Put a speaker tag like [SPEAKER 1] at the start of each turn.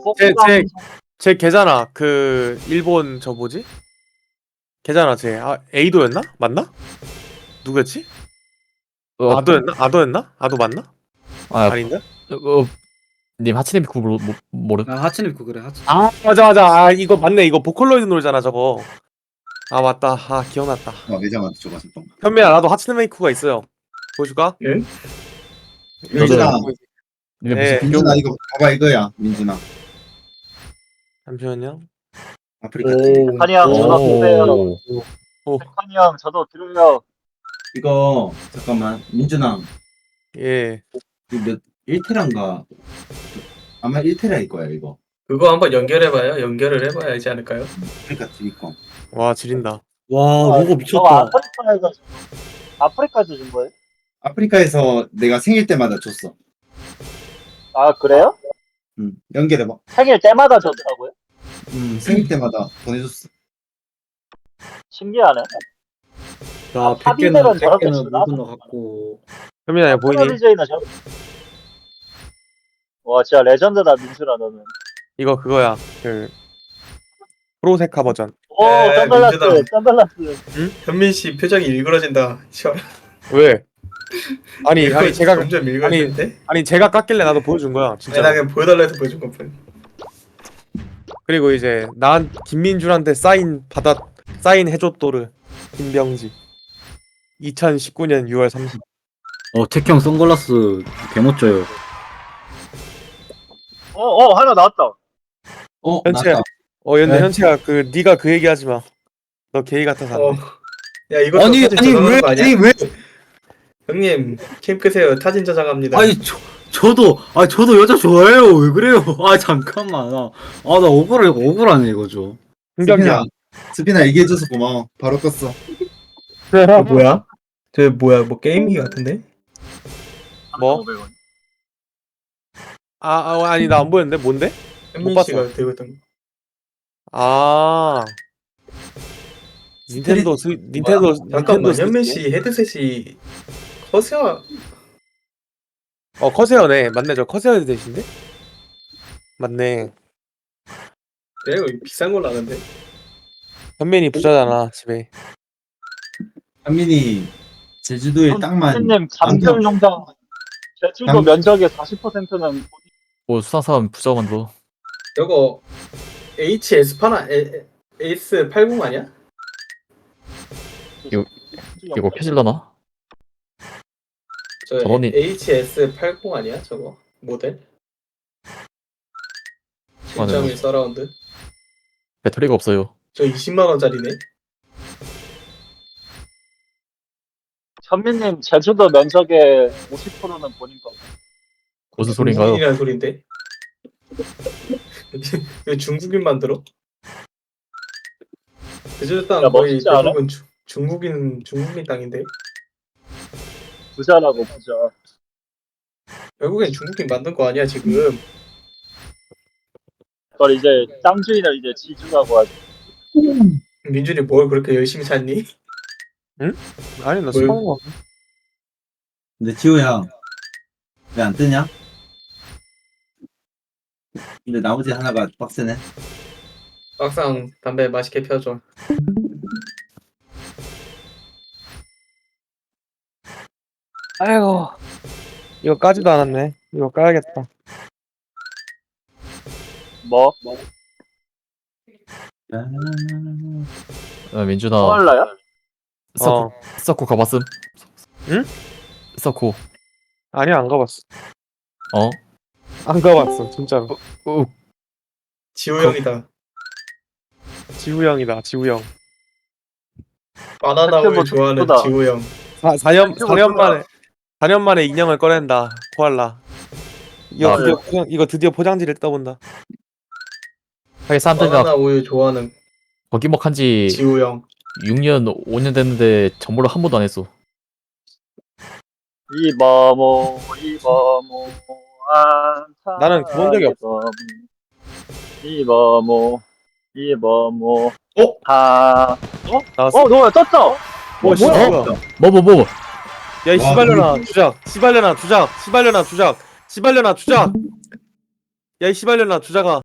[SPEAKER 1] 제 걔잖아. 그 일본 저 뭐지? 걔잖아. 쟤 에이도였나? 맞나? 누구였지? 아도였나? 아도였나? 아도 맞나?
[SPEAKER 2] 아,
[SPEAKER 1] 아닌가?
[SPEAKER 2] 님 하츠네미쿠 모르.
[SPEAKER 3] 나 하츠네미쿠 그래 하츠.
[SPEAKER 1] 아 맞아. 이거 맞네. 이거 보컬로이드 노래잖아 저거. 아 맞다. 기억났다.
[SPEAKER 4] 매장한테 줘봤을 동.
[SPEAKER 1] 현미야 나도 하츠네미쿠가 있어요. 보여줄까?
[SPEAKER 5] 예?
[SPEAKER 4] 민준아,
[SPEAKER 2] 님의
[SPEAKER 1] 네.
[SPEAKER 2] 무슨
[SPEAKER 4] 민준아 이거 봐봐 이거야, 민준아.
[SPEAKER 1] 잠시만요.
[SPEAKER 4] 아프리카 TV.
[SPEAKER 5] 오.
[SPEAKER 6] 한이 형 저도 들어요.
[SPEAKER 2] 오.
[SPEAKER 6] 한이 형 저도 들어요.
[SPEAKER 4] 이거 잠깐만, 민준아.
[SPEAKER 1] 예.
[SPEAKER 4] 이거 몇 1테라인가? 아마 1테라일 거야 이거.
[SPEAKER 5] 그거 한번 연결해봐요. 연결을 해봐야 하지 않을까요?
[SPEAKER 4] 아프리카 TV 컴.
[SPEAKER 1] 와 지린다.
[SPEAKER 3] 와 로고
[SPEAKER 6] 저
[SPEAKER 3] 미쳤다.
[SPEAKER 6] 아프리카에서 준 거예요?
[SPEAKER 4] 아프리카에서 내가 생일 때마다 줬어.
[SPEAKER 6] 아 그래요?
[SPEAKER 4] 연결해봐.
[SPEAKER 6] 생일 때마다 줬다고요?
[SPEAKER 4] 생일 때마다 보내줬어.
[SPEAKER 6] 신기하네.
[SPEAKER 3] 나
[SPEAKER 6] 팝인들은
[SPEAKER 3] 100개는
[SPEAKER 6] 저렇게
[SPEAKER 3] 100개는
[SPEAKER 6] 주나?
[SPEAKER 3] 못 건너갔고.
[SPEAKER 1] 현미야 야 보이니?
[SPEAKER 6] DJ나 저렇게. 와 진짜 레전드다 민수라 너는.
[SPEAKER 1] 이거 그거야. 그 프로세카 버전.
[SPEAKER 6] 오
[SPEAKER 5] 네,
[SPEAKER 6] 선글라스
[SPEAKER 5] 민수다.
[SPEAKER 6] 선글라스.
[SPEAKER 5] 현민 씨 표정이 일그러진다. 시원.
[SPEAKER 1] 왜? 아니 제가
[SPEAKER 5] 점점 일그러지는데?
[SPEAKER 1] 아니 제가 깎길래 나도 보여준 거야
[SPEAKER 5] 아니,
[SPEAKER 1] 진짜.
[SPEAKER 5] 나 그냥 보여달라 해서 보여준 것뿐.
[SPEAKER 1] 그리고 이제 난 김민준한테 사인 해줬도르 김병지 2019년 6월 30일.
[SPEAKER 3] 택형 선글라스 개멋져요.
[SPEAKER 6] 하나 나왔다.
[SPEAKER 1] 현채야.
[SPEAKER 4] 나왔다.
[SPEAKER 1] 연대
[SPEAKER 4] 네.
[SPEAKER 1] 현채야 그 네가 그 얘기 하지 마. 너 게이 같아서 안 돼.
[SPEAKER 5] 야 이거
[SPEAKER 3] 아니
[SPEAKER 5] 사진
[SPEAKER 3] 아니
[SPEAKER 5] 저장하는
[SPEAKER 3] 왜
[SPEAKER 5] 거 아니야?
[SPEAKER 3] 아니 왜
[SPEAKER 5] 형님 캠 끄세요. 타진 저장합니다.
[SPEAKER 3] 아니 저도 여자 좋아해요. 왜 그래요? 아 잠깐만. 나 억울하네 이거 좀.
[SPEAKER 1] 흥경이야.
[SPEAKER 4] 스피나 얘기해줘서 고마워. 바로 껐어.
[SPEAKER 5] 뭐야? 저 뭐야? 뭐 게임기 같은데?
[SPEAKER 1] 뭐? 아니 나 안 보였는데 뭔데?
[SPEAKER 5] 현민
[SPEAKER 1] 봤어.
[SPEAKER 5] 씨가 들고 있던 거.
[SPEAKER 1] 닌텐도
[SPEAKER 5] 잠깐만
[SPEAKER 1] 스위치?
[SPEAKER 5] 현민 씨 헤드셋이 커세어
[SPEAKER 1] 커세어네. 맞네. 저 커세어 헤드셋인데? 맞네.
[SPEAKER 5] 내가 비싼 걸로 아는데.
[SPEAKER 1] 현민이 부자잖아 집에.
[SPEAKER 4] 한민이 제주도에 땅만.
[SPEAKER 6] 선생님 잠들 농장. 제주도 면적의 40%는
[SPEAKER 2] 뭐 수상사람 부자만도.
[SPEAKER 5] 이거 HS8 에이스 80 아니야?
[SPEAKER 2] 이거 켜질라나?
[SPEAKER 5] 저
[SPEAKER 2] 저번에-
[SPEAKER 5] HS80 아니야 저거 모델? 7.1 서라운드.
[SPEAKER 2] 배터리가 없어요.
[SPEAKER 5] 저 20만 원짜리네.
[SPEAKER 6] 현민님 제주도 면적의 50%는 본인 거.
[SPEAKER 2] 무슨 소린가요?
[SPEAKER 5] 중국인이라는 소린데. 왜 중국인 만들어? 제주도 땅
[SPEAKER 6] 야,
[SPEAKER 5] 거의
[SPEAKER 6] 멋지지 않아?
[SPEAKER 5] 대부분 중국인 땅인데.
[SPEAKER 6] 부자라고 부자.
[SPEAKER 5] 결국엔 중국인 만든 거 아니야 지금?
[SPEAKER 6] 그걸 이제 땅 주인을 이제 지주라고 하지.
[SPEAKER 5] 민준이 뭘 그렇게 열심히 찾니?
[SPEAKER 1] 아니 나
[SPEAKER 5] 뭘-
[SPEAKER 1] 사는 거.
[SPEAKER 4] 근데 지호야, 왜 안 뜨냐? 근데 나머지 하나가 빡세네.
[SPEAKER 5] 막상 담배 맛있게 펴줘.
[SPEAKER 1] 아이고 이거 까지도 않았네. 이거 까야겠다.
[SPEAKER 6] 뭐?
[SPEAKER 2] 민준아
[SPEAKER 6] 코알라야?
[SPEAKER 2] 서코 가봤음?
[SPEAKER 1] 응?
[SPEAKER 2] 서코.
[SPEAKER 1] 아니 안 가봤어.
[SPEAKER 2] 어?
[SPEAKER 1] 안 가봤어 진짜로.
[SPEAKER 5] 지호 형이다.
[SPEAKER 1] 지우 형이다. 지우 형.
[SPEAKER 5] 바나나 우유 좋아하는
[SPEAKER 6] 예쁘다.
[SPEAKER 5] 지호 형.
[SPEAKER 1] 4년 만에 인형을 꺼낸다. 코알라. 이거 드디어 포장지를 떠본다.
[SPEAKER 2] 하긴 사람들이 다
[SPEAKER 5] 바나나 우유 좋아하는
[SPEAKER 2] 거기 먹한지
[SPEAKER 5] 지호 형.
[SPEAKER 2] 6년 5년 됐는데 전보를 한 번도 안 했어.
[SPEAKER 6] 이바모 안타.
[SPEAKER 1] 나는 그런 적이 없어.
[SPEAKER 6] 이바모
[SPEAKER 1] 나왔어.
[SPEAKER 6] 너 떴어.
[SPEAKER 1] 뭐야?
[SPEAKER 2] 뭐
[SPEAKER 1] 야, 이 씨발려나 주작. 씨발려나 주작. 씨발려나 주작. 씨발려나 주작. 야, 이 씨발려나 주작아.